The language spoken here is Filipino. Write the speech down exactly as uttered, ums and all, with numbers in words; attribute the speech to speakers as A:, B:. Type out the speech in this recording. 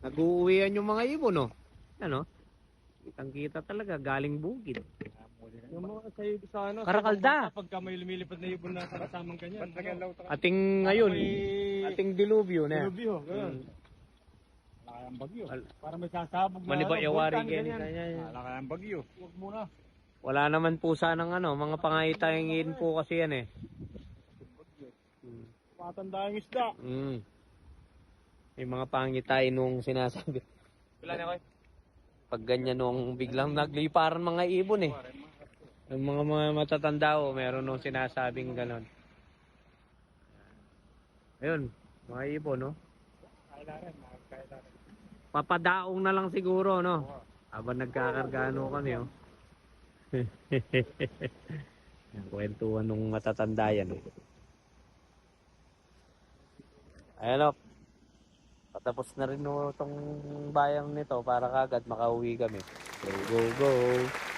A: Nag-uuwian yung mga ibon, no? Ano? Kitang-kita talaga, galing bukid.
B: Yung mga sa'yo sa ano,
A: Karakalda.
B: pagka may lumilipad na ibon na kasamang ganyan. Ano?
A: Ating ngayon,
B: may-
A: ating dilubyo na.
B: Dilubyo, ganun.
A: Hmm.
B: Wala kayang bagyo.
A: Al-
B: Para may sasabog na
A: Manibayawari
B: bulkan,
A: ganyan.
B: ganyan.
A: ganyan.
B: Wala kayang bagyo. Huwag muna.
A: Wala naman po sanang ano, mga pangahitahingin po kasi yan eh. Hmm.
B: Matanda yung isda.
A: Mm. May mga pangitahin nung sinasabi.
B: Wala na ko.
A: Pag ganyan nung biglang nagliparan mga ibon eh. Yung mga mga matatanda o meron nung sinasabing ganon. Ayun, mga ibon no.
B: Kailangan, kailangan.
A: Papadaong na lang siguro no. Habang nagkakargano kami oh. Yung kwentuhan nung matatanda yan eh. Ayan o. Patapos na rin no itong bayang nito para kagad makauwi kami. Go, go, go.